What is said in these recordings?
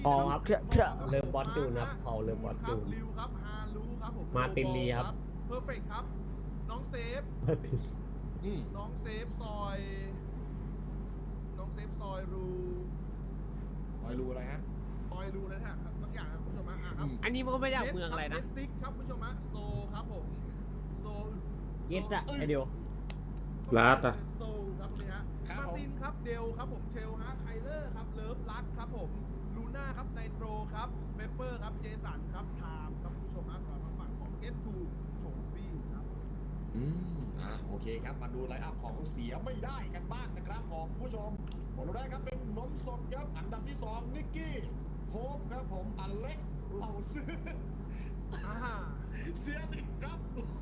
พอครับเริ่มบอสจูนครับพอเริ่มบอสจูนริวครับฮารูครับผมมาร์ตินลีครับเพอร์เฟกครับน้องเซฟน้องเซฟซอยน้องเซฟซอยรูคอยรู้อะไรฮะซอยรูนะฮะบางอย่างครับคุณผู้ชมฮะครับอันนี้มันก็ไม่ได้เมืองอะไรนะเจสซิกครับคุณผู้ชมฮะโซครับผมโซเย็ดอะไอเดียวลาดอะโซครับตรงนี้ฮะมาร์ตินครับเดลครับผมเทลฮะไคเลอร์ครับเลิฟลักครับผมลูน่าครับไนโตรครับเปเปอร์ครับเจสันครับไทม์ครับคุณผู้ชมฮะสำหรับทางฝั่งของเกตทูโถฟี่ครับโอเคครับมาดูไลน์อัพของเสียไม่ได้กันบ้างนะครับของผู้ชมคนแรกครับเป็นนมสดครับอันดับที่2นิกกี้โฮปครับผมอเล็กซ์เหล่าซื้อเซียนิกครับ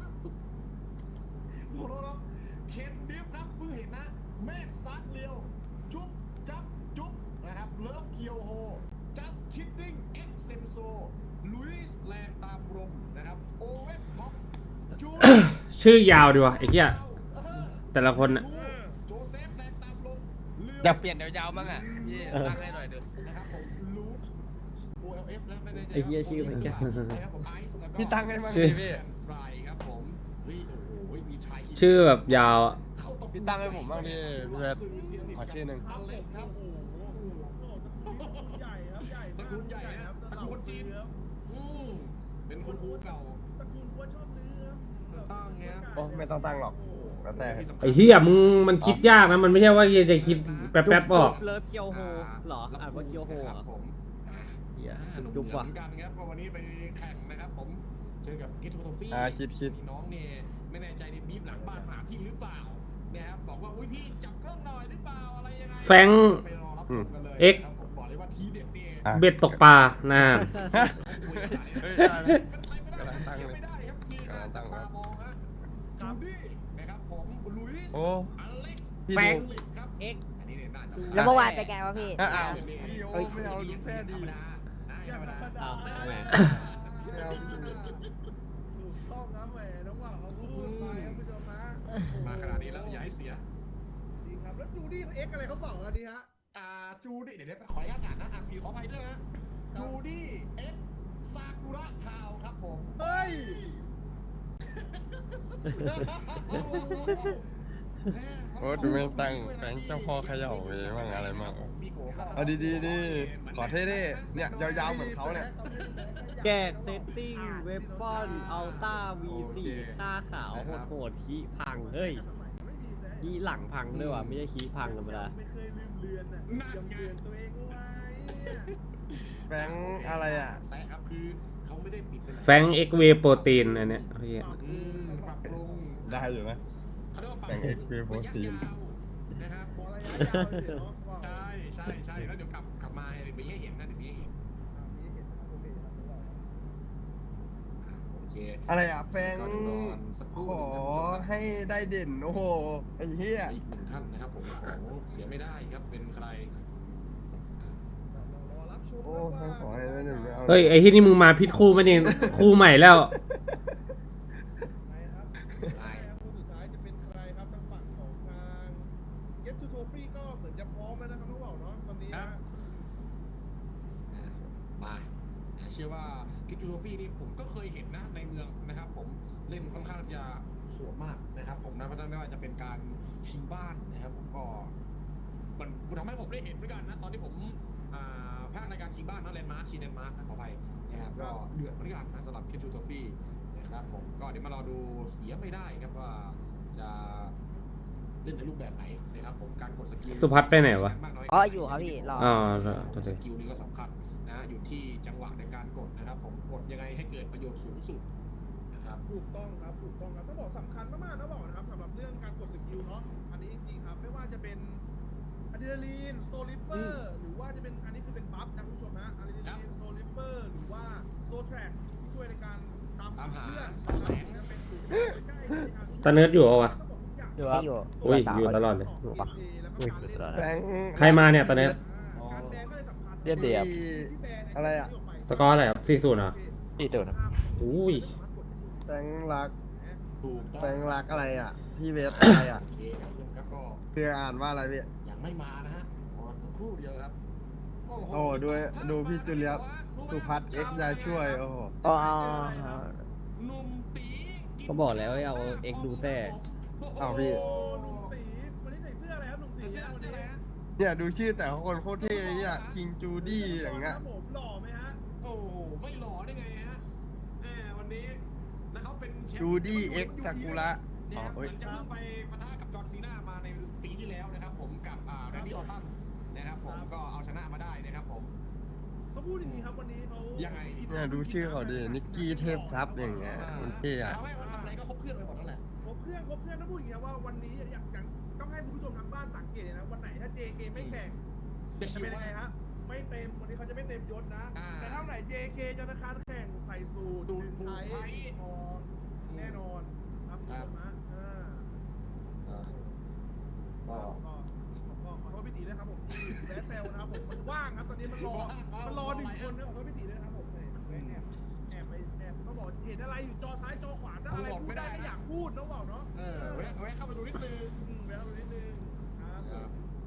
โอ้โหเคนดิฟครับเพิ่งเห็นนะแมนสตาร์ทเลียวจุ๊บจับจุ๊บนะครับเลิฟเคียวโฮจัสคิดดิ้งเอ็กเซนโซลุยส์แลนตามรมนะครับโอเวน์บ็อกซ์จูชื่อยาวดีวะไอ้เหี้ยแต่ละคนน่ะโจเซฟแลนตามรมอยากเปลี่ยนยาวๆบ้างอ่ะพี่ตั้งให้หน่อยเถอะนะครับผมลูท OLF แล้วไม่ได้ไอ้เหี้ยชื่อมันแก่นะครับผมไอซ์แล้วก็พี่ตั้งให้บ้างชื่ดิอพี่ไฟครับผมเฮ้ยโอ้โหมีชายชื่อแบบยาวอะพี่ตั้งให้ผมบ้างดิพี่เวฟขอชื่อหนึ่งอเล็กครับโอ้โหใหญ่ครับใหญ่ตระกูลใหญ่นะตระกูลคนจีนอืมเป็นคุณครูเก่าตระกูลว่าชอบเนื้อตั้งเงี้ยโอ้ไม่ต้องตั้งหรอกแล้วแต่ไอ้เหี้ยมึงมันคิดยากนะมันไม่ใช่ว่าจะคิดแป๊บๆออกเลิฟเกียวโฮเหรออ่านว่าเกียวโฮเหรอครับผมเหี้ยจุ๊จุ๊บบ เหมืว่ะอนกันครับเพราะวันนี้ไปแข่งนะครับผมเจอกับกิทโทฟี่คิดมีน้องเนี่ยไม่แน่ใจในบีบหลังบ้านหาพี่หรือเปล่านะครับบอกว่าอุ้ยพี่จับกล้องหน่อยหรือเปล่าอะไรยังไงแฟงไปรอรับชมกันเลยเอ็กครับผมบอกเลยว่าทีเด็ดเนี่ยเบ็ดตกปลาน่าเฮ้ยได้แล้วเป็นไปไม่ได้กำลังตั้งเลยไม่ได้ครับทีกำลังตั้งครับมองฮะจูดี้นะครับผมลุยส์โอ้อเล็กซ์พี่แฟงดูครับเอ็กอันนี้เนี่ยน่าจะแล้วเมื่อวานไปไงวะพี่อ้าวเฮ้ยไม่เอาดูแค่ดีธรรมดาธรรมดาอ้าวทำไมถูกต้องครับแหมน้องว่าเขาพูดไปครับผู้ชมฮะมาขนาดนี้แล้วอย่าให้เสียดีครับแล้วจูดี้เขาเอ็กอะไรเขาบอกกันดีฮะจูดี้เดี๋ยวขออนุญาตอ่านนะผีขออภัยด้วยนะจูดี้เอ็กซากุระทาวครับผมเฮ้ยโอ้ดูไม่ตั้งแฟงเจ้าพ่อเขย่าไปบ้างอะไรมากเอาดีๆดิขอเท่ดิเนี่ยยาวๆเหมือนเขาเนี่ยแกเซตติ้งเวปอนอัลต้า V4 ค่าขาวโหดๆคีพังเฮ้ยคีหลังพังด้วยว่ะไม่ใช่คีพังธรรมดาไม่เคยลืมเลือนอ่ะจำเลือนตัวเองเอาไว้แฟงอะไรอ่ะแซะครับคือเขาไม่ได้ปิดเป็นแฟงเอ็กเวโปรตีนอันเนี้ยเหี้ยปรับปรุงได้อยู่นะเขาเรียกว่าปรับแบ่ง XP โปรตีนนะครับขอระยะยาวเลยเนาะว่าใช่แล้วเดี๋ยวกลับมาเดี๋ยวมีให้เห็นนะเดี๋ยวมีให้เห็นนี้เห็นนะครับโอเคครับผมว่าโอเคอะไรอ่ะแฟงก่อนนอนสักครู่ขอให้ได้เด่นโอ้โหไอ้เหี้ยอีกหนึ่งท่านนะครับผมของเสียไม่ได้ครับเป็นใครรอรับชมโอ้แฟงขอให้ได้เด่นไม่เอาเฮ้ยไอ้ที่นี่มึงมาผิดคู่มั้ยเนี่ยคู่ใหม่แล้วไปครับคู่สุดท้ายจะเป็นใครครับทางฝั่งของทาง Get to Trophy ก็เหมือนจะพร้อมแล้วนะครับน้องบ่าวเนาะตอนนี้นะมาเชื่อว่ากิจูโทฟี่นี่ผมก็เคยเห็นนะในเมืองนะครับผมเล่นค่อนข้างจะโหดมากนะครับผมนะไม่ว่าจะเป็นการชิงบ้านนะครับผมก็มันทำให้ผมได้เห็นเหมือนกันนะตอนที่ผมภาคในการชิงบ้านนะแลนด์มาร์คชิงแลนด์มาร์คขออภัยนะครับก็เดือดเหมือนกันนะสำหรับกิจูโทฟี่นะครับผมก็เดี๋ยวมารอดูเสียไม่ได้ครับว่าจะเล่นในรูปแบบไหนนะครับผมการกดสกิลสุพัฒน์ไปไหนวะอ๋ออยู่ครับพี่รออ๋อสกิลนี้ก็สำคัญนะอยู่ที่จังหวะในการกดนะครับผมกดยังไงให้เกิดประโยชน์สูงสุดนะครับถูกต้องครับต้องบอกสำคัญมากๆนะบอกนะครับสำหรับเรื่องการกดสกิลเนาะอันนี้จริงๆครับไม่ว่าจะเป็นอะดรีนาลีนโซลิปเปอร์หรือว่าจะเป็นอันนี้คือเป็นบัฟนะคุณผู้ชมนะอะดรีนาลีนโซลิปเปอร์หรือว่าโซแทร็กที่ช่วยในการตามหาเพื่อนจะเป็นหรือใกล้ในการตาเนิร์ดอยู่เหรอวะอยู่ครับอยู่อุ้ยอยู่ตลอดเลยอยู่ปะแฟงใครมาเนี่ยตาเนิร์ดเรียบเรียบอะไรอ่ะสกอร์อะไรครับ40เหรอนี่ตัวนะอุ้ยแฟงรักถูกแฟงรักอะไรอ่ะพี่เวฟอะไรอ่ะโอเคครับเพื่อนครับก็เพื่ออ่านว่าอะไรพี่ยังไม่มานะฮะรอสักครู่เดียวครับโอ้ดูพี่จุเลียสสุพัฒน์เอ็กซ์ยายช่วยโอ้โหอ๋อหนุ่มตีก็บอกแล้วให้เอาเอ็กดูแต่เอาพี่โอ้หนุ่มตีวันนี้ใส่เสื้ออะไรครับหนุ่มตีเสื้ออะไรฮะเนี่ยดูชื่อแต่ละคนโคตรเท่เนี่ยคิงจูดี้อย่างเงี้ยครับผมหล่อไหมฮะโอ้โหไม่หล่อได้ไงฮะวันนี้แล้วเขาเป็นแชมป์จูดี้เอ็กซ์ซากุระเนี่ยครับเหอ๋อเอ้มืยอนจะเพิ่งไปปะทะกับจอห์นซีนามาในปีที่แล้วนะครับผมกับแรนดี้ออตตันนะครับผมก็เอาชนะมาได้นะครับผมเขาพูดอย่างนี้ครับวันนี้เขายังไงเนี่ยดูชื่อเขาดินิกกี้เทพทรัพย์อย่างเงี้ยมันเท่อะเอาไว้ว่าทำอะไรก็ครบเครื่องไปหมดนั่นแหละครบเครื่องต้องพูดอย่างนี้ครับว่าวันนี้อยากต้องให้คุณผู้ชมทางบ้านสังเกตเลยนะวันไหนถ้า JK ไม่แข่งจะจะชิวเป็นยังว่าไงฮะไม่เต็มวันนี้เขาจะไม่เต็มยศนะอ่าแต่ถ้าวันไหน JK จะธนาคารแข่งใส่สูทสูทไทไทยทองแน่นอนครับคุณผู้ชมฮะก็ขอโทษพี่ตีด้วยครับผมที่แวะเซลนะครับผมมันว่างครับตอนนี้มันรอหนึ่งคนนะขอโทษพี่ตีด้วยนะครับผมแอบเขาบอกเห็นอะไรอยู่จอซ้ายจอขวาถ้าอะไรพูดได้ก็อยากพูดน้องบอกเนาะแวะเข้ามาดูนิดนึงแวะดูนิดนึงครับ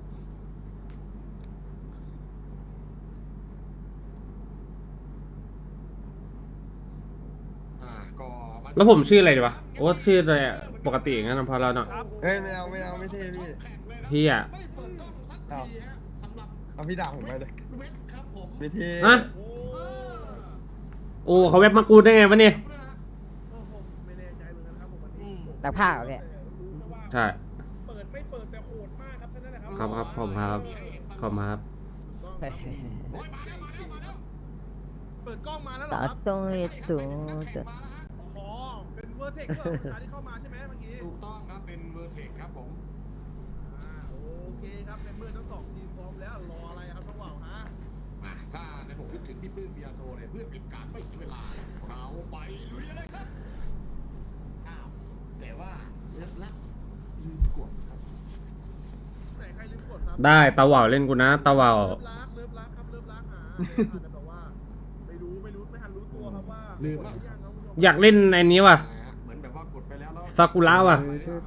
ก็แล้วผมชื่ออะไรดีวะโอ้ชื่ออะไรอะปกติอย่างนั้นนะพอเราเนาะเฮ้ยไม่เอาไม่เท่พี่พี่อะไม่เปิดกล้องสักทีฮะสำหรับเอาพี่ด่าผมไปเลยเวทครับผมไม่เท่ฮะโอ้โอ้เขาเว็บมากูได้ไงวะเนี่ยโอ้โหไม่แน่ใจเหมือนกันครับผมวันนี้นักผ้าเหรอพี่ใช่เปิดไม่เปิดแต่โหดมากครับท่านนั่นแหละครัครับผมครับผมครับต้องครับโอ้ยมาแล้วเปิดกล้องมาแล้วเหรตาอครับต้องเอตุอ๋อเป็นเวอร์เทคเวอร์สุดท้ายที่เข้ามาใช่ไหมเมื่อกี้ถูกต้องครับเป็นเวอร์เทคครับผมโอเคครับในเมื่อทั้งสองทีมพร้อมแล้วรออะไรครับต้องว่าวฮะมาถ้าในผมนึกถึงพี่ปื้มเบียโซเลยเพื่อเป็นการไม่เสียเวลาเราไปลุยเลยครับอ้าวแต่ว่าเลิกลักลืมกดครับไหนใครลืมกดครับได้ตาว่าวเล่นกูนะตาว่าวเลิฟรักครับเลิฟรักหาอาจจะแบบว่าไม่ทันรู้ตัวครับว่าหรือยังครับคุณผู้ชมอยากเล่นไอ้นี้ว่ะเหมือนแบบว่ากดไปแล้วแล้วซากุระว่ะ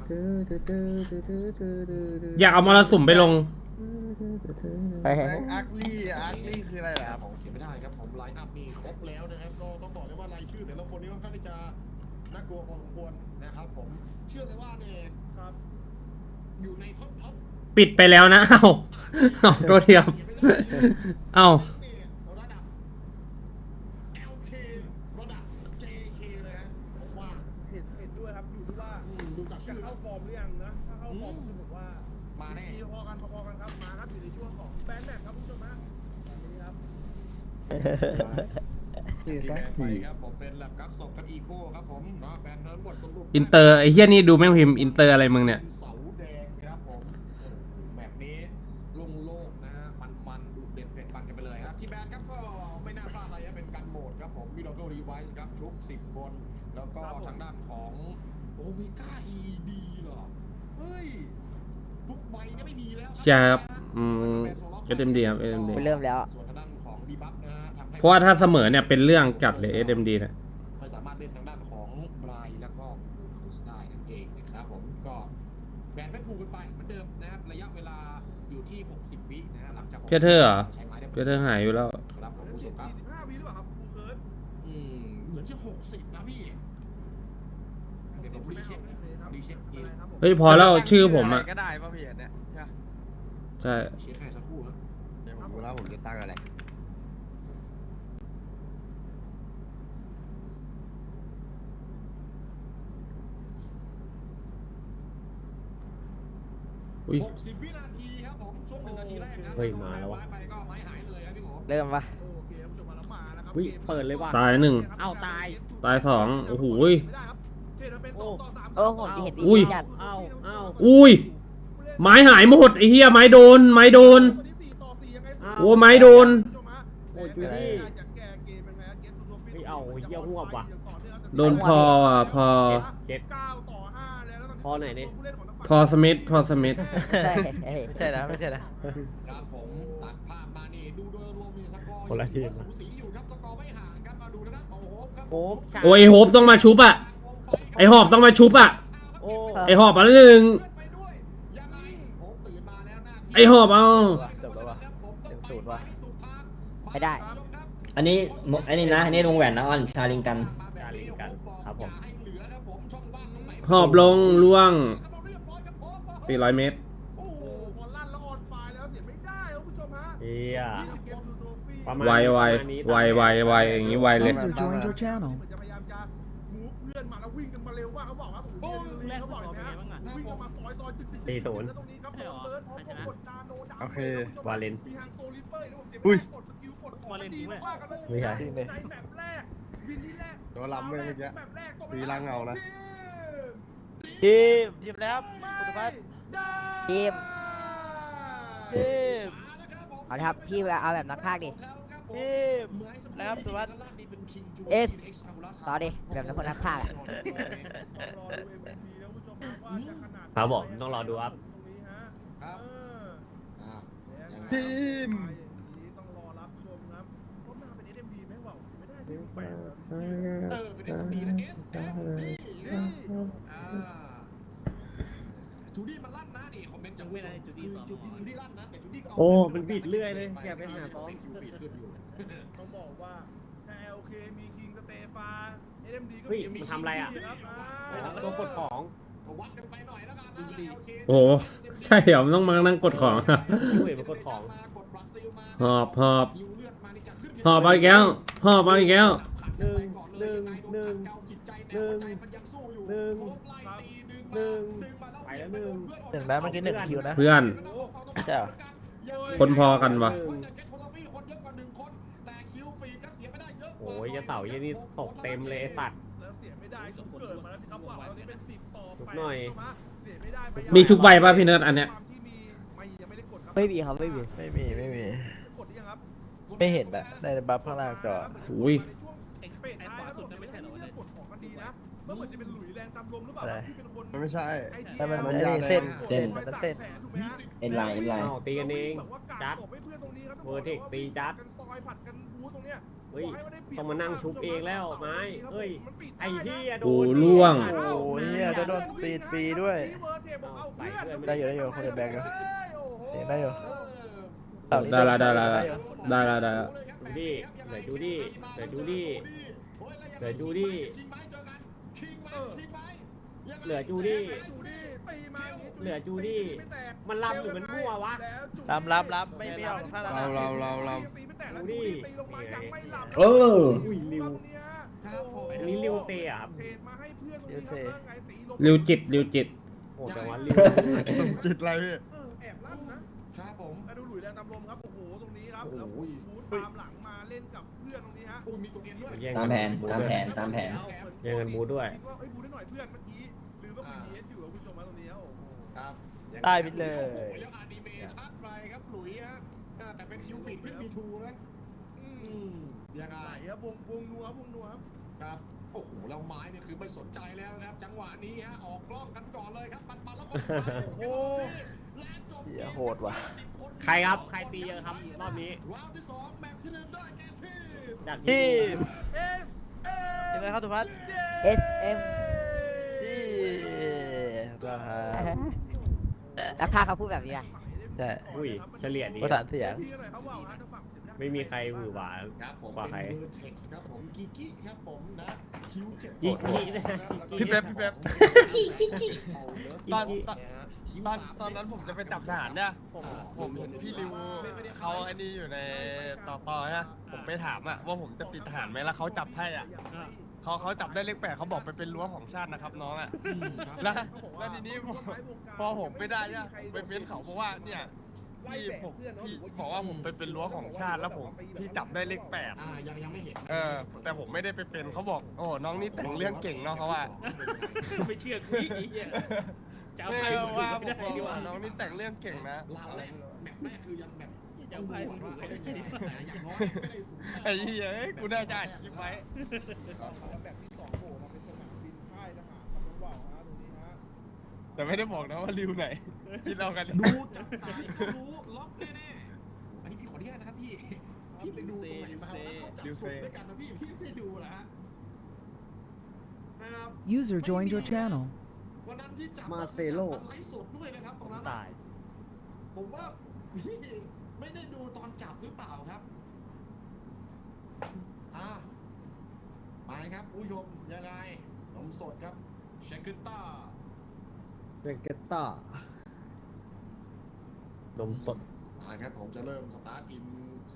อยากเอามรสุมไปลงไปแม่งอาร์คลี่คืออะไรล่ะครับของเสียไม่ได้ครับผมไลน์อัพมีครบแล้วนะครับก็ต้องบอกเลยว่ารายชื่อแต่ละคนนี้ค่อนข้างที่จะน่ากลัวพอสมควรนะครับผมเชื่อเลยว่าเนี่ยครับอยู่ในท็อปปิดไปแล้วนะ เอ้าเอาตัวเทียมเอ้าระดับ LK ระดับ JK เลยนะผมว่าเห็นด้วยครับอยู่ที่ว่าดูจากจะชื่อเข้าฟอร์มหรือยังนะถ้าเข้าฟอร์มคือผมว่ามาแน่พอกันครับมาครับอยู่ในช่วงของแบนแมทครับคุณผู้ชมฮะตอนนี้ครับชื่อที่สัแบกนไปทีครับผมเป็นแลบกับศพกับอีโคครับผมเนาะแบนทั้งหมดสรุปอินเตอร์ไอ้เฮียนี่ดูแม่งพิมพ์อินเตอร์อะไรมึงเนี่ยเสาแดงครับผมแบบนี้โล่งๆนะฮะมันดูเด็ดเผ็ดมันกันไปเลยครับที่แบนครับก็ไม่น่าพลาดอะไรเป็นการโหมดครับผมวิดีโอรีไวซ์ครับชุบ10 คน แล้วก็ทางด้านของโอเมก้า ED เหรอเฮ้ยทุกใบเนี่ยไม่มีแล้วใช่ครับก็เต็มดีครับเต็มดีไปเริ่มแล้วส่วนทางด้านของดีบัฟนะฮะทำให้เพราะว่าถ้าเสมอเนี่ยเป็นเรื่องจัดเลย SMD เนี่ยไม่สามารถเล่นทางด้านของบรายแล้วก็โคสได้นั่นเองนะครับผมก็แบนไม่ผูกกันไปเหมือนเดิมนะครับระยะเวลาอยู่ที่ 60 วินะฮะหลังจากเพียเธอร์เหรอใช้ไม้ได้เพียเธอร์หายอยู่แล้วครับผมผู้ชมครับ 45 วิหรือเปล่าครับครูเคิร์ดเหมือนจะ60นะพี่เดี๋ยวผมรีเช็คนะรีเช็คเกมเฮ้ยพอแล้วชื่อผมอะก็ได้ป่ะพี่เนี่ยใช่ใช่เช็คให้สักครู่นะเดี๋ยวผมรู้แล้วผมจะตั้งอะไรอุ้ย 60 วินาทีครับผมช่วง1 นาทีแรกนะเฮ้ยมาแล้ววะไปก็ไม้หายเลยนะพี่โหเริ่มปะโอเคครับผู้ชมมาแล้วมาแล้วครับอุ้ยเปิดเลยว่ะตายหนึ่งเอ้าตายตายสองโอ้โหไม่ได้ครับเห็นว่าเป็น2 ต่อ 3 โอ้ผมเห็นอุ้ยจัดเอ้าอุ้ย ไม้หายหมดไอ้เหี้ยไม้โดน ไม้โดนวันนี้4 ต่อ 4ยังไงอ้าวโอ้ไม้โดนผู้ชมฮะโอ้ยจูดี้อยากแก้เกมยังไงฮะเกมตัวฟิตไม่เอาเหี้ยหัวว่ะโดนพออ่ะพอเจ็ด 9 ต่อ 5แล้วแล้วตอนนี้พอไหนเนี่ยผู้เล่นของทางฝั่งพอสมิธพอสมิธใช่ไม่ใช่นะไม่ใช่นะครับผมตัดภาพมานี่ดูโดยรวมมีสกอร์คนละทีมสูสีอยู่ครับสกอร์ไม่ห่างครับมาดูนะของโฮปครับโอ้โอ้ยไอ้โฮปต้องมาชุบอ่ะ ไอหอบต้องมาชุบอ่ะโอ้ไอหอบอันหนึ่งไปด้วยยังไงโฮปตื่นมาแล้วหน้าที่ไอหอบเอาจบแล้ววะเต็มสูตรวะสุดท้ายไม่ได้อันนี้อันนี้นะอันนี้วงแหวนนะออนชาลิงกันชาลิงกันครับผมหอบลงล่วง400 เมตรโอ้โหพอลั่นแล้วออนไฟล์แล้วเสียไม่ได้ครับคุณผู้ชมฮะเฮีย 20 เกมทูโทฟี่ประมาณไวนี้ไวอย่างนี้ไวเลย User joined your channel. เหมือนจะพยายามจะมูฟเพื่อนมาแล้ววิ่งกันมาเร็วว่าเขาบอกว่าโอ้โหเรียนเขาบอกเลยนะวิ่งกันมาซอยจึ๊กๆตีศูนย์แล้วตรงนี้ครับเบิร์ดพร้อมกับกดนาโนดาวโอเควาเลนมีทางโซลิเปอร์นะผมเสียอุ้ยกดสกิลกดของมันดีมากๆกันเลยไม่ใช่ในแบบแรกวินที่แรกโดนล้ำเลยเมื่อกี้แบบแรกตรงตีล่างเงานะทีมทีมแล้วคุณพัฒน์ทีมเอาละครับพี่เอาแบบนักพากย์ดิทีมแล้วครับคุณพัฒน์เอสต่อดิแบบนักคนนักพากย์อะครับผมต้องรอดูครับครับทีมต้องรอรับชมครับรอบหน้าเป็น SMD ไหมวะไม่ได้ไม่แปลกเป็น SMD นะ SMD จูดี้มันลั่นนะนี่คอมเมนต์จากจูดี้ลั่นนะแต่จูดี้ก็โอ้มันบิดเรื่อยเลยอย่าไปหาซ้อมคิวฟีดขึ้นอยู่ต้องบอกว่าถ้า LK มีคิงสเตฟา SMD ก็เฮ้ยมีมันทำอะไรอ่ะครับตัวกดของก็วัดกันไปหน่อยแล้วกันนะ LK โอ้โหใช่เหรอมันต้องมานั่งกดของอะเฮ้ยมันกดของกดบราซิลมาหอบหอบฮิวเลือดมานี่จะขึ้นหอบมาอีกแล้วหอบมาอีกแล้วหนึ่งหนึ่งหนึ่งจิตใจแต่หัวใจมันยังสู้อยู่หนึ่งโคบไล่ตีดึงหนึ่งมาไปแล้วหนึ่งหนึ่งแล้วเมื่อกี้หนึ่งคิวนะเพื่อนใช่เหรอคนพอกันวะโอ้ยจะเสายี่นี่ตกเต็มเลยไอ้สัตว์แล้วเสียไม่ได้ก็เกิดมาแล้วสิครับว่าตอนนี้เป็น10 ต่อทุก 8 หน่อยเสียไม่ได้ไปมีทุกใบป่ะพี่เนิร์ดอันเนี้ยความที่มีไม่ยังไม่ได้กดครับไม่มีครับไม่มีไม่มี ไม่มีกดหรือยังครับไม่เห็นอะในบัฟข้างล่างจออุ้ยในช่วงเฟสท้ายแล้วผมไม่ใช่เรื่องกดของกันดีนะเมื่อเหมือนจะเป็นหลุยแรงตามลมหรือเปล่าอะไรที่เป็นคนมันไม่ใช่แต่มันมันไอ้นี่ยากเส้นเลยเส้นมันเส้นเอ็นไลน์เอ็นไลน์อ้าวตีกันเองแบบว่าการจัดตบให้เพื่อนตรงนี้ครับเวอร์เทคตีจัดกันซอยผัดกันบูตรงเนี้ยเฮ้ยบกให้ว่าได้เปรียบต้องมานั่งชุบเองแล้วไม้เฮ้ยมันปิดไอ้ได้นะเหี้ยโดโอ้นล่วงอ้าวโอ้ยเหี้ยจะโดนตีฟรีด้วยเวอร์เทคบอกเอาเพื่อนได้อยู่ได้อยู่คนเดียวแบกอยู่โอ้โหเสียงได้อยู่ได้ละได้ละได้ละได้ละดูดิเหลือดูดิเหลือดูดิเหลือดูดิเหลือจูดี้ตีมาอย่างงี้เหลือจูดี้ไม่แตกมันลำหรือมันมั่ววะแล้วจูดี้รับไม่เบี้ยวถ้าเราตีไม่แตกแล้วจูดี้ตีลงมายังไม่หลับเอออุ้ยริวครับผมอันนี้ริวเซ่อะครับเทรดมาให้เพื่อนตรงนี้ครับว่าไงตีลงริวจิตริวจิตโหแต่ว่าริวจิตอะไรพี่แอบลั่นนะครับผมมาดูหลุยแดงตามลมครับโอ้โหตรงนี้ครับโอ้โหแล้วบูทตามหลังมาเล่นกับเพื่อนตรงนี้ฮะอุ้ยมีตัวเนียนด้วยแย่งตามแผนตามแผนตามแผนแย่งกันบูทด้วยคิดว่าเอ้ยบูทได้หน่อยเพื่อนเมื่อกี้ลืมว่าคุณเอสอยู่กับคุณผู้ชมมาตรงนี้ครับโอ้โหครับได้ไปเลยโอ้โหแล้วอนิเมชั่นไปครับหลุยฮะแต่เป็นคิวฟีดขึ้นมีทูนะยังไงไหลครับวงนัวครับวงนัวครับครับโอ้โหแล้วไม้เนี่ยคือไม่สนใจแล้วนะครับ จังหวะนี้ฮะออกกล้องกันก่อนเลยครับปันแล้วก็โอ้โหและจบเหี้ยโหดว่ะใครครับใครตีเยอะครับรอบนี้รอบที่2แมตช์ที่1ได้แก่ทีมจากทีที่มเอสเอยังไงครับทุกพัน SM ที่ก็ฮะนักพากย์เขาพูดแบบนี้อะใช่อุ้ยเฉลี่ยดีประสานเสียงไม่มีใครหวือหวาครับผมกว่าใครเป็นเบอร์เท็กซ์ครับผมกิกิครับผมนะคิว7 กิกินะพี่เป๊ปพี่เป๊ป ตอนกิกิตอนนั้นผมจะไปจับทหารเนี่ยผมเห็นพี่ริวเขาไอ้นี่อยู่ในต่อฮะผมไปถามอะว่าผมจะปิดทหารไหมแล้วเขาจับให้อะเขาจับได้เลข 8เขาบอกไปเป็นรั้วของชาตินะครับน้องอะแล้วทีนี้พอผมไม่ได้เนี่ยไปเม้นเขาบอกว่าเนี่ยพี่บอกว่าผมไปเป็นรั้วของชาติแล้วผมพี่จับได้เลข 8 ยังไม่เห็นแต่ผมไม่ได้ไปเป็นเขาบอกโอ้น้องนี่แต่งเรื่องเก่งเนาะเขาว่าไม่เชื่อกูอีกไอ้เหี้ยจะเอาไม่ใครว่าไม่ผมได้บอกดีกว่าว่าน้องนี่แต่งเรื่องเก่งนะลาวแรกแมปแรกคือยังแบบจะเอาใครไม่ได้ดีกว่าอย่างน้อยไม่ได้สูงไอ้เหี้ยเอ้ยกูน่าจะอัดคลิปไว้แบบที่2โผล่มาเป็นสนามบินค่ายทหารครับน้องบ่าวฮะตรงนี้ฮะแต่ไม่ได้บอกนะว่าริวไหนคิดเอากันดูจากสายก็รู้ล็อกแน่ๆอันนี้พี่ขออนุญาตนะครับพี่ไปดูตรงไหนมาวันนั้นเขาจับสุดด้วยกันนะพี่ไม่ดูนะฮะนะครับ User joined your channel. วันนั้นที่จับมาเซโลจับไลฟ์สดด้วยนะครับตรงนั้นตายผมว่าพี่ไม่ได้ดูตอนจับหรือเปล่าครับไปครับผู้ชมยังไงนมสดครับเชคกิต้าเบเกต้านมสดครับผมจะเริ่มสตาร์ทอิน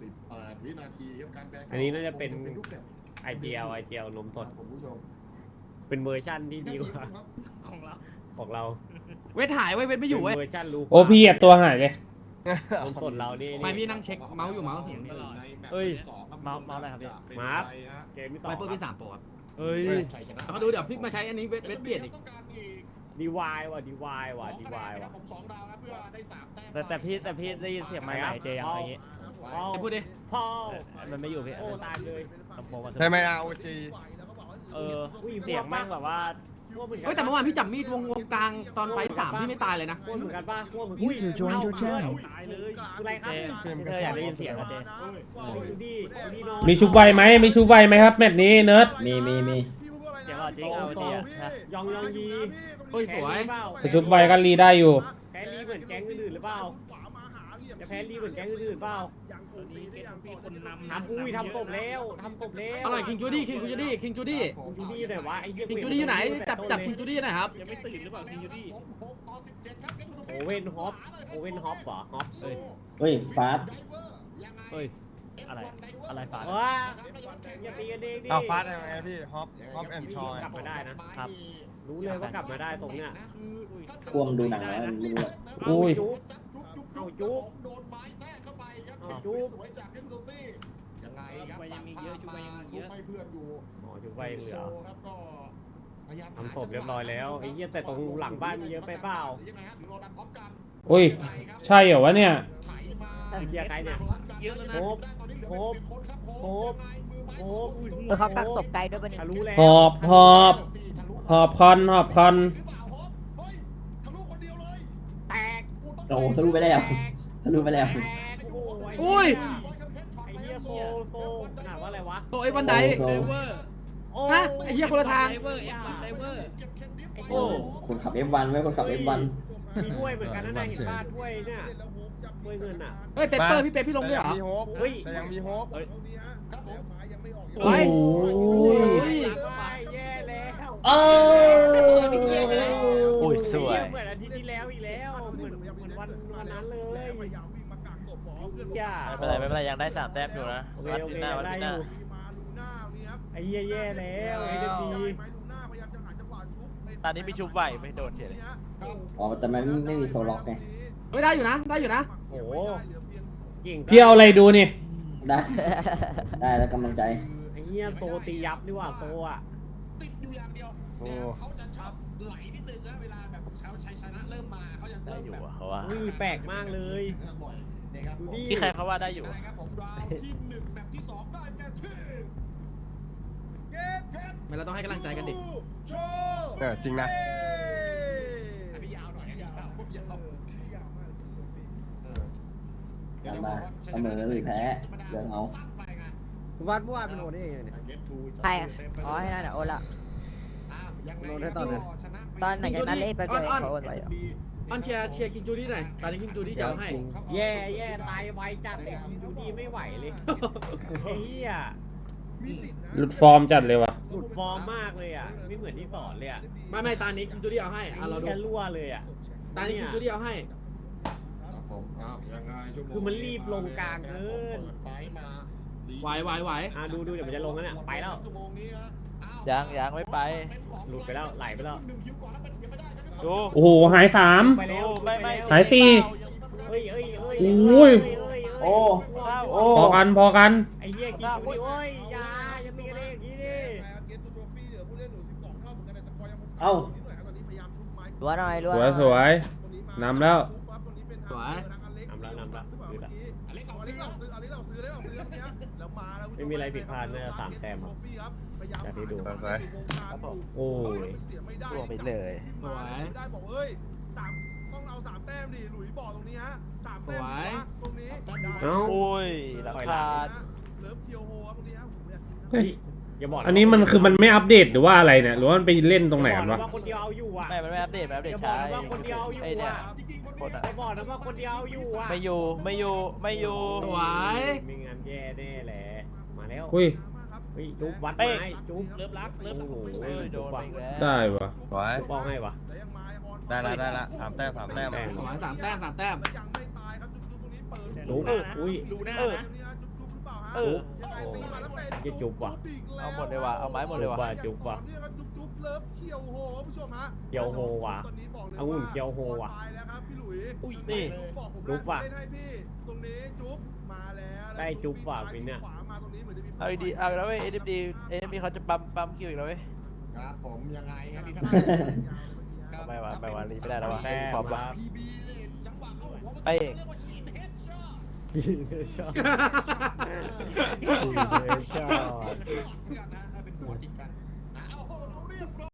18 วินาทีครับการแบนอันนี้น่าจะเป็นรูปแบบไอเจียวนมสดผมผู้ชมเป็นเวอร์ชั่นที่ดีกว่าของเราเวทหายเว้ยเวทไม่อยู่เว้ยเป็นเวอร์ชันรู้โอ้พี่เหยียบตัวหายเลยนมสดเรานี่ไม่พี่นั่งเช็คเมาส์อยู่เมาส์เสียงนี่เอ้ยเมาส์อะไรครับพี่มาร์ค เกมที่ต่อไวเปอร์พี่3โปรครับเฮ้ยแล้วก็ดูเดี๋ยวพี่มาใช้อันนี้เวทเปลี่ยนอีกดีวายว่ะดีวายว่ะผม2 ดาวนะเพื่อได้3 แต้มแต่พี่ได้ยินเสียงไม้ไหนเจยังอะไรอย่างงี้เดี๋ยวพูดดิพ่อมันไม่อยู่พี่โอ้ตายเลยลำโพงมันใช่ไหมเอาจีเสียงแม่งแบบว่าเฮ้ยแต่เมื่อวานพี่จับมีดวงกลางตอนไฟท์3พี่ไม่ตายเลยนะพวกเหมือนกันป่ะพวกเหมือน User joined your channel ตายเลยอะไรครับเธออยากได้ยินเสียงอะเจดูดินอนมีชุบไวไหมมีชุบไวไหมครับแมตช์นี้เนิร์ดมีเสียงจริงเอาจริงอะยองยีเฮ้ยสวยจะชุบไวกันรีได้อยู่แพ้ลีเหมือนแก๊งอื่นหรือเปล่าจะแพ้ลีเหมือนแก๊งอื่นเปล่าทำอุ้ยทำศพแล้วทำศพแล้วอร่อยคิงจูดี้คิงจูดี้คิงจูดี้คิงจูดี้ไหนวะไอ้เหี้ยคิงจูดี้อยู่ไหนจับคิงจูดี้หน่อยครับยังไม่ตื่นหรือเปล่าคิงจูดี้โอเว่นฮอปเหรอฮอปเอ้ยเฮ้ยฟาสเฮ้ยอะไรฟาสว้าอย่าตีกันเองดิเอาฟาสยังไงพี่ฮอปแอนชอยกลับมาได้นะครับ รู้เลยว่ากลับมาได้ตรงเนี้ยกวมดูหนังแล้วไม่รู้อุ้ยเอาจุ๊บโดนไม้แทรกเข้าไปครับเอาจุ๊บสวยจากเอ็นโดฟี่ยังไงครับยังมีเยอะชุบยังมีเยอะชุบให้เพื่อนอยู่อ๋อจุ๊บไปเหลือครับก็พยายามทำศพเรียบร้อยแล้วไอ้เหี้ยแต่ตรงหลังบ้านมีเยอะไปเปล่ายังไงฮะหรือเราดันพร้อมกันอุ้ยใช่เหรอวะเนี่ยไถมาไอ้เหี้ยใครเนี่ยเยอะแล้วนะโฮปตอนนี้เหลือโฮป 11คนครับโฮป โอ้เขากักศพไกลด้วยปะเนี่ยทะลุแล้วหอบหอบหอบคอนหอบคอนหรือเปล่าฮอปเฮ้ยทะลุคนเดียวเลยแตกโอ้ทะลุไปแล้วทะลุไปแล้วแตกโอ้โหอุ้ยไอ้เหี้ยโซขนาดว่าอะไรวะโอ้ยบันไดโอ้ฮะไอ้เหี้ยคนละทางโอ้คนขับ F1 ไว้คนขับ F1 มีถ้วยเหมือนกันนะนายเห็นบ้านถ้วยเนี่ยถ้วยเงินอ่ะเฮ้ยเปเปอร์พี่เป๊ปพี่ลงด้วยเหรอมีโฮปเฮ้ยแต่ยังมีโฮปโอ้ยแย่แล้วโอ้โอ้ยสวยเหมือนอาทิตย์ที่แล้วอีกแล้วเหมือนวันนั้นเลยอย่าไม่เป็นไรยังได้3 แต้มอยู่นะโอเควัดโอที่เคหน้าวัดได้ที่อหน้ายู่ไอ้เหี้ยแย่แล้วไอ้เดบีตอนนี้มีชุบไหวไม่โดนเฉยเลยอ๋อแต่มันไม่มีโซล็อกไงเฮ้ยได้อยู่นะได้อยู่นะโอ้โหเก่งพี่เอาอะไรดูนี่ได้ ได้แล้วกำลังใจไอ้เหี้ยโซตียับดีกว่าโซอ่ะติดอยู่อย่างเดียวนะครับเขาจะชอบไหลนิดนึงนะเวลาแบบเขาชัยชนะเริ่มมาเขาจะได้เริ่มอยู่แบบอะเขาว่านี่แปลกมากเลยบ่อยนะครับผมดูดิที่ใครเขาว่าได้อยู่ครับผมราวที่1แบบที่2ได้แก่ที่ไม่เราต้องให้กำลังใจกันดิจริงนะอันนี้ยาวหน่อยอันนี้ยาวพูดยาวกลับมาเสมอหรือแพ้เรื่องเอาสั้นไปไงวัดเมื่อวานเป็นโอนี่เนี่ยใครอะอ๋อให้นั่นอ่ะโอนละโดนให้ตอนไหนตอนไหนจากนั้นเล่นไปเจอเขาโอนไว้อะอันเชียร์คิงจูดี้หน่อยตอนนี้คิงจูดี้จะเอาให้แย่ตายไวจัดเลยดูดีไม่ไหวเลยไอ้เหี้ยหลุดฟอร์มจัดเลยวะหลุดฟอร์มมากเลยอ่ะไม่เหมือนที่สอนเลยอ่ะไม่ตอนนี้คิงจูดี้เอาให้อ่ะเราดูแค่รั่วเลยอ่ะตอนนี้คิงจูดี้เอาให้ครับผมอ้าวยังไงชั่วโมงคือมันรีบลงกลางเกินเปิดไฟมาไหวอ่ะดูเดี๋ยวมันจะลงแล้วเนี่ยไปแล้วชั่วโมงนี้นะอ้าวยังไม่ไปหลุดไปแล้วไหลไปแล้วหนึ่งคิวก่อนแล้วเป็นเสียไม่ได้ครับดูโอ้โหหายสามไปแล้วไม่หายสี่เฮ้ยอุ้ยโอ้โอ้พอกันพอกันไอ้เหี้ยกินอยู่ดิโอ้ยอย่าตีกันเองอย่างนี้ดิเอ้ารัวหน่อยรัวสหวน่ยอยสวยนำแล้วสวยนำละคือละอเล็กเอาซื้อไม่มีอะไรผิดพลาดน่าจะ3 แต้มอะจากที่ดู โอ้ยรวมไปเลยสวยได้บอกเอ้ยต้องเอา3 แต้มดิหลุยบอกตรงนี้ฮะ3 แต้มตรงนี้เอ้าโอ้ยราคาเลิฟเคียวโฮครับตรงนี้ฮะผมอยากกินนะเฮ้ยอย่าบอกอันนี้มันคือมันไม่อัปเดตหรือว่าอะไรเนี่ยหรือว่ามันไปเล่นตรงไหนกันวะว่าคนเดียวเอาอยู่อ่ะมันไม่อัปเดตอย่าบอช้ากนะว่าคนเดียวเอาอยู่ไอ้เนี่ยอ่ะคนอะอย่าบอกนะว่าคนเดียวเอาอยู่อ่ะไม่อยู่สวยไม่งั้นแย่แน่แหละมาแล้วอุ้ยเฮ้ยจุ๊บวัดเป้ไม้งจุ๊บเริ่มรักเริ่มรักโอ้โหเอ้ยโดนไปอีกแล้วได้ปะไว้จุ๊บบอกให้วะและยังมาออนได้ละสามแต้มแต้มขอให้สามแต้มและยังไม่ตายครับจุ๊บตรงนี้เปิดจุ๊บอุ้ยดูหน้าเออนะจุ๊บหรือเปล่าฮะเออยังไงตีมาแล้วเป็นจะจุ๊บว่ะอีกแเอาหมดเลยว่ะเอาไม้หมดเลยว่ะจุ๊บว่ะเนี่ยครับจุ๊บเลิฟเขียวโหผู้ชมฮะเขียวโฮว่ะตอนนี้บอกเลยองุ่นเขียวโฮว่ะตายแล้วครับพี่หลุยอุ้ยนี่บอกผมจุ๊บว่ะเล่นให้พี่ตรงนี้จุ๊บมาแล้วได้จุ๊บว่ะวินเนี่ยขวามาตรงนี้เหมือนจะมีเอาดีเอาแล้วเว้ย NMD เขาจะปั๊มคิวอีกแล้วเว้ยครับผมยังไงครับนี่ครับไม่ว่าไม่ว่าลีไม่ได้แล้วว่ะแต้มพร้อมคละรับ PB เลยจังหวะเข้าหัวมันเป้งเรียกว่าชีนเฮดช็อตชอบชอตนะถ้าเป็นหัวติดกัน